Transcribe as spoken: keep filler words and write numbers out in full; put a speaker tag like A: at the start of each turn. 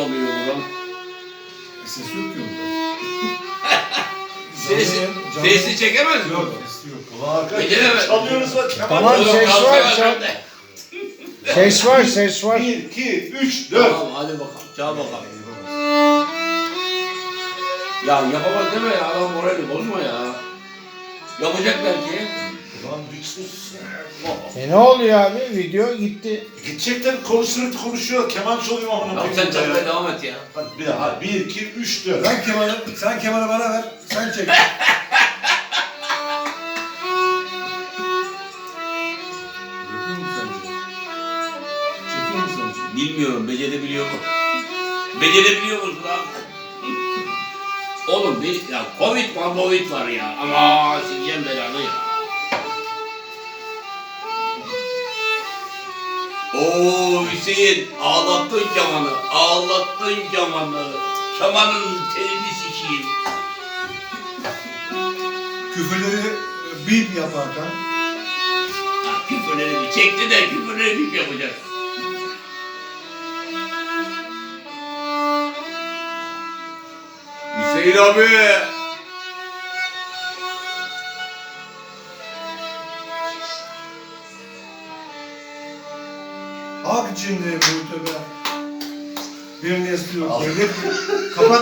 A: oluyor buradan?
B: Ses yok ki orada.
A: Sesi,
B: Canlı-
A: sesi çekemez mi?
B: Yok, sesi yok. Ulan arkadaş
A: Beceremez.
B: çalıyoruz bak. Kemal.
C: Tamam,
A: Oğlum,
C: ses
A: kalkıyor
C: var, çal.
A: bende.
C: Ses var, ses var.
B: Bir, iki, üç, dört.
A: Tamam hadi bakalım. Çal bakalım. Ya yapamaz deme ya. Adam morali bozma ya. Yapacak belki.
B: Ulan bir sus.
C: E ne oluyor abi? Video gitti.
B: Gidecekler konuşuyor konuşuyor. Keman çalıyor amına
A: Ya sen çalmaya devam et ya.
B: Hadi bir daha. Bir, iki, üç, dört.
D: Sen kemanı, sen kemanı bana ver. Sen çek.
B: Yapıyor mu sence? Çekiyor mu sence?
A: Bilmiyorum becerebiliyor mu? Becerebiliyor musun lan? Oğlum bir ya Covid var, Covid var ya. Ama sikeceğim belanı ya. Oo Hüseyin ağlattın kemanı, ağlattın kemanı. Kemanın telini sikeyim.
D: Küfürleri e, bip yap Hakan.
A: Ha, küfürleri bir çekti de küfürleri bir yapacak. Hüseyin abi.
D: Hak içinde bu tövbe. Birini istiyor. Kapat.